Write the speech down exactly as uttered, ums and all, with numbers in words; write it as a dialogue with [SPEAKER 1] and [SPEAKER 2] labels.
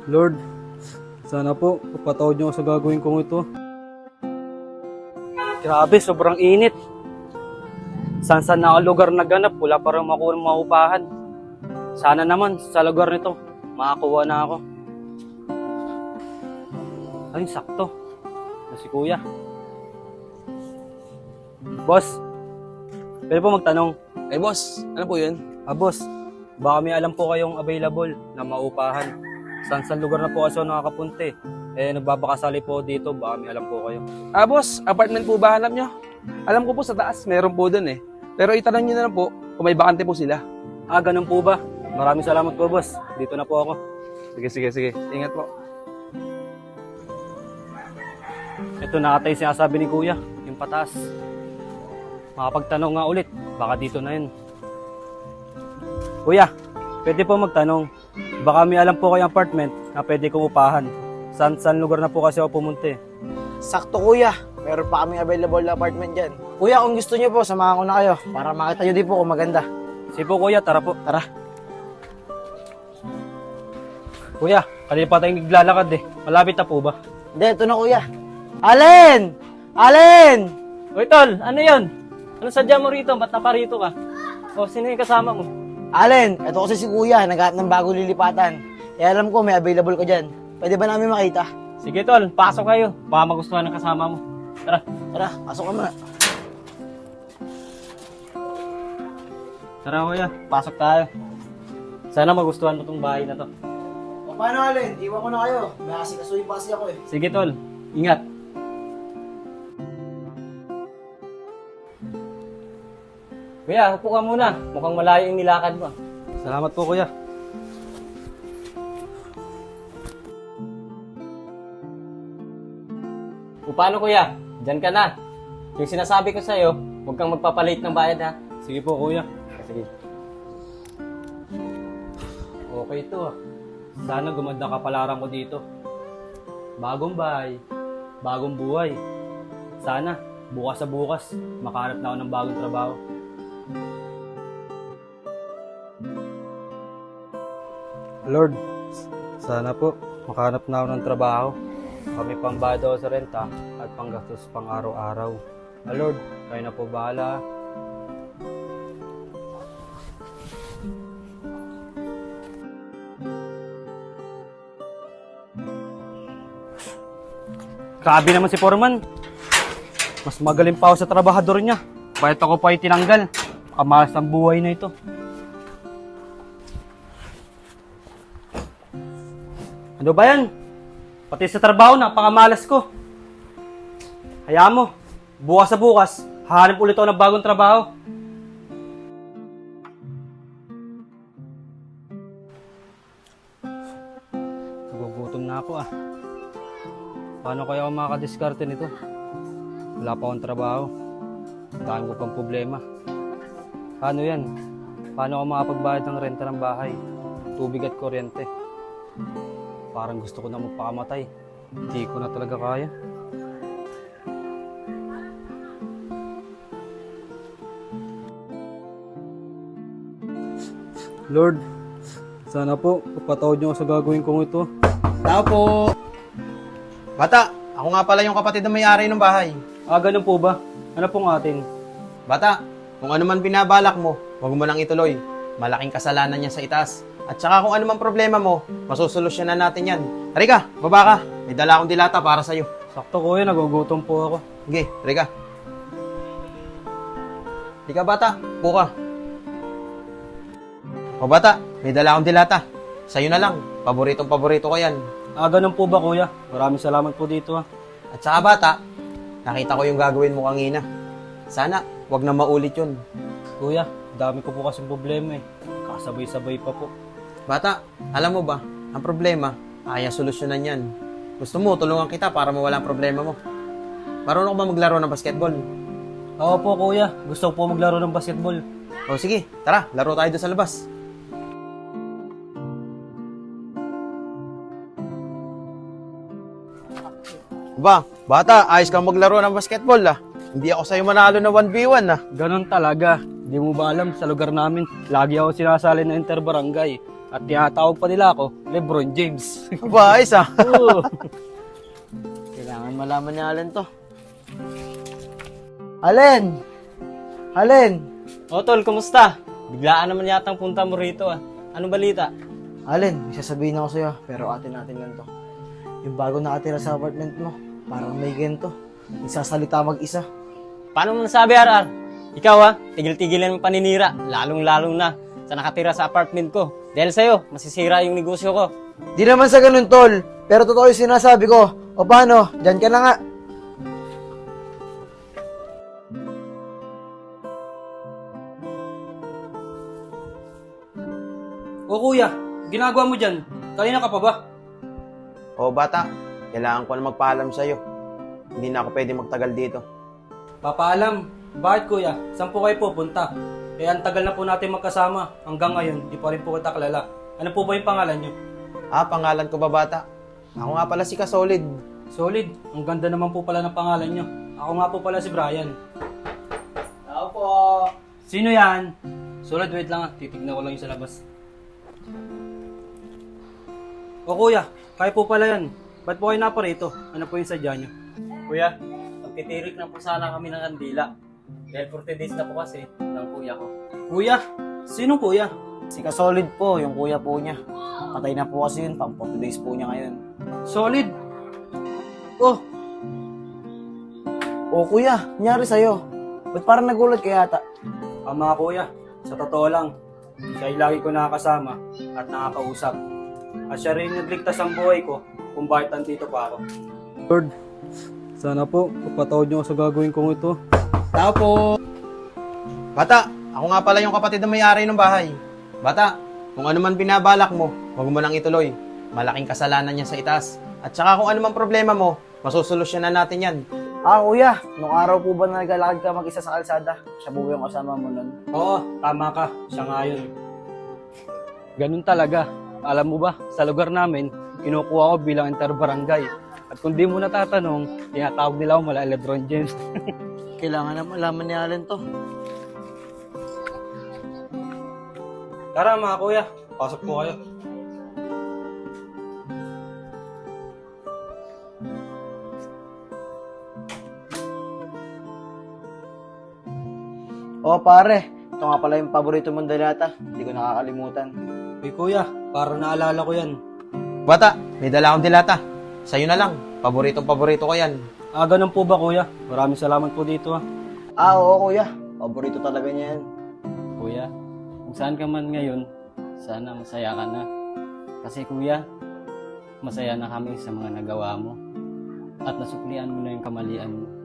[SPEAKER 1] Lord, sana po, papatawad niyo ako sa gagawin kong ito. Grabe, sobrang init. San-san na ang lugar na ganap, wala pa rin makuha ng maupahan. Sana naman, sa lugar nito, makakuha na ako. Ay, sakto. Na si Kuya. Boss, pwede po magtanong.
[SPEAKER 2] Eh boss, ano po yun?
[SPEAKER 1] Ah, boss, baka may alam po kayong available na maupahan. San-san lugar na po kasi ako nakakapunti. Eh, nagbabakasali po dito, baka may alam po kayo.
[SPEAKER 2] Ah boss, apartment po ba hanap nyo? Alam ko po sa taas, meron po dun eh. Pero itanong nyo na lang po kung may bakante po sila.
[SPEAKER 1] Ah, ganun po ba? Maraming salamat po, boss. Dito na po ako.
[SPEAKER 2] Sige, sige, sige. Ingat po.
[SPEAKER 1] Ito nakatay sinasabi ni Kuya, yung pataas. Makapagtanong nga ulit, baka dito na yun. Kuya, pwede po magtanong. Baka may alam po kayong apartment na pwede kong upahan. San-san lugar na po kasi ako pumunti.
[SPEAKER 3] Sakto kuya, meron pa kaming available na apartment dyan. Kuya, kung gusto nyo po, samahan ko na kayo para makita nyo din po kung maganda.
[SPEAKER 1] Sige po kuya, tara po.
[SPEAKER 3] Tara.
[SPEAKER 1] Kuya, kanina pa tayong naglalakad eh. Malapit na po ba?
[SPEAKER 3] Hindi, ito na kuya. Alin! Alin!
[SPEAKER 1] Uy tol, ano yun? Ano sadya mo rito? Ba't naparito ka? O, sino yung kasama mo?
[SPEAKER 3] Alin! Ito kasi si kuya, naghahanap ng bagong lilipatan. Eh alam ko, may available ka dyan. Pwede ba namin makita?
[SPEAKER 1] Sige tol, pasok kayo. Baka magustuhan ng kasama mo. Tara.
[SPEAKER 3] Tara, pasok ka muna.
[SPEAKER 1] Tara kuya, pasok tayo. Sana magustuhan mo tong bahay na to.
[SPEAKER 3] O paano Alin? Iwan ko na kayo. May asikasuhin pa kasi ako eh.
[SPEAKER 1] Sige tol, ingat. Kuya, upo ka muna. Mukhang malayo yung nilakad mo. Salamat po kuya. O paano kuya? Diyan ka na. Yung sinasabi ko sa'yo, huwag kang magpapalit ng bayad ha. Sige po kuya. Sige. Okay to ah. Sana gumanda kapalaran ko dito. Bagong bahay, bagong buhay. Sana, bukas sa bukas, makahanap na ako ng bagong trabaho. Lord, sana po, makahanap na ako ng trabaho. Kami pambayad ako sa renta at panggastos pang araw-araw. Ah, Lord, kayo na po bahala. Grabe naman si Foreman. Mas magaling pa ako sa trabahador niya. Bakit ako pa itinanggal? Kamalas ng buhay na ito. Ano ba yan? Pati sa trabaho, napakamalas ko. Hayaan mo, bukas sa bukas, hahanap ulit ako ng bagong trabaho. Nagugutom na ako ah. Paano kaya ako makakadiskarte nito? Wala pa akong trabaho. Daan ko pang problema. Paano yan? Paano ako makapagbayad ng renta ng bahay? Tubig at kuryente. Parang gusto ko na magpakamatay. Hindi ko na talaga kaya. Lord, sana po, papatawad niyo ako sa gagawin kong ito.
[SPEAKER 3] Tao po! Bata, ako nga pala yung kapatid na may-ari ng bahay.
[SPEAKER 1] Ah, ganun po ba? Ano pong atin?
[SPEAKER 3] Bata, kung ano man binabalak mo, huwag mo nang ituloy. Malaking kasalanan niya sa itaas. At saka kung ano man problema mo, masusolusyonan natin yan. Halika, baba ka. May dala akong dilata para sa'yo.
[SPEAKER 1] Sakto kuya, nagugutom po ako.
[SPEAKER 3] Sige, halika. Halika bata, buka. O bata, may dala akong dilata. Sa'yo na lang, paboritong paborito ko yan.
[SPEAKER 1] Ah, ganun po ba kuya? Maraming salamat po dito ah.
[SPEAKER 3] At saka bata, nakita ko yung gagawin mo kanina. Sana, wag na maulit yun.
[SPEAKER 1] Kuya, dami ko po kasing problema eh. Kasabay-sabay pa po.
[SPEAKER 3] Bata, alam mo ba, ang problema, kaya solusyonan yan. Gusto mo, tulungan kita para mawala ang problema mo. Marunong ka ba maglaro ng basketball?
[SPEAKER 1] Oo po kuya, gusto ko po maglaro ng basketball.
[SPEAKER 3] O sige, tara, laro tayo doon sa labas. Ba, bata, ayos kang maglaro ng basketball ah. Hindi ako sa'yo manalo na one v one ah.
[SPEAKER 1] Ganon talaga. Di mo ba alam, sa lugar namin, lagi ako sinasali na interbarangay. At tinatawag pa nila ako, Lebron James.
[SPEAKER 3] Aba, ayos ah.
[SPEAKER 1] Oo.
[SPEAKER 4] Kailangan malaman ni Allen to. Allen! Allen!
[SPEAKER 5] O tol, kumusta? Biglaan naman yatang punta mo rito ah. Anong balita?
[SPEAKER 4] Allen, may sasabihin ako sa'yo, pero atin natin lang to. Yung bago nakatira sa apartment mo, parang may gento. Nagsasalita mag-isa.
[SPEAKER 5] Paano mo nasabi, R R? Ikaw ah, tigil-tigilan mo paninira, lalong-lalong na sa nakatira sa apartment ko. Dahil sa'yo, masisira yung negosyo ko.
[SPEAKER 4] Di naman sa ganun, tol. Pero totoo yung sinasabi ko. O paano? Diyan ka na nga.
[SPEAKER 1] O kuya, ginagawa mo dyan? Kanina ka pa ba?
[SPEAKER 3] O bata, kailangan ko na magpaalam sa'yo. Hindi na ako pwede magtagal dito.
[SPEAKER 1] Papaalam. Bakit kuya? Saan po kayo pupunta? Eh, ang tagal na po natin magkasama. Hanggang ngayon, di pa rin po kita kilala. Ano po ba yung pangalan nyo?
[SPEAKER 3] Ah, pangalan ko ba bata? Ako nga pala si Kasolid.
[SPEAKER 1] Solid. Ang ganda naman po pala ng pangalan nyo. Ako nga po pala si Brian.
[SPEAKER 3] Ako po.
[SPEAKER 1] Sino yan? Solid, wait lang ah. Titignan ko lang yung sa labas. O kuya, kayo po pala yan. Ba't po kayo naparito? Ano po yung sadya nyo?
[SPEAKER 5] Kuya, magtitirik na po sana kami ng kandila. Dahil forty days na po kasi ng kuya ko.
[SPEAKER 1] Kuya? Sino kuya?
[SPEAKER 4] Si Kasolid po, yung kuya po niya. Patay na po kasi yun, pang forty days po niya ngayon.
[SPEAKER 1] Solid. Oh,
[SPEAKER 4] O kuya, nangyari sa'yo. Ba't parang nagulat ka yata?
[SPEAKER 1] ang mga kuya, sa totoo lang, siya ay lagi ko nakakasama at nakakausap. At siya rin nagligtas ang buhay ko kung bakit nandito pa ako. Lord, sana po, papatawad niyo ako sa gagawin kong ito.
[SPEAKER 3] Tao po. Bata, ako nga pala yung kapatid na may-ari ng bahay. Bata, kung ano man binabalak mo, huwag mo nang ituloy. Malaking kasalanan niya sa itaas. At saka kung ano man problema mo, masusolusyonan natin yan.
[SPEAKER 4] Ah, kuya, nung araw po ba na naglalakad ka mag-isa sa kalsada? Siya po yung kasama mo nun.
[SPEAKER 1] Oo, tama ka. Siya nga yun. Ganun talaga. Alam mo ba, sa lugar namin, kinukuha ko bilang inter-barangay. At kung di mo natatanong, tinatawag nila ako mala Lebron James.
[SPEAKER 4] Kailangan na malaman ni Allen to.
[SPEAKER 1] Tara mga kuya, pasok po kayo.
[SPEAKER 4] O pare, ito nga pala yung paborito mong dalata. Hindi ko nakakalimutan.
[SPEAKER 1] Uy kuya, para naalala ko yan.
[SPEAKER 3] Bata, may dala akong dilata. Sa'yo na lang. Paboritong paborito ko yan.
[SPEAKER 1] Ah, ganun po ba kuya? Maraming salamat po dito ah.
[SPEAKER 4] Ah, oo kuya. Paborito talaga niya yan.
[SPEAKER 5] Kuya, kung saan ka man ngayon, sana masaya ka na. Kasi kuya, masaya na kami sa mga nagawa mo. At nasuklian mo na yung kamalian mo.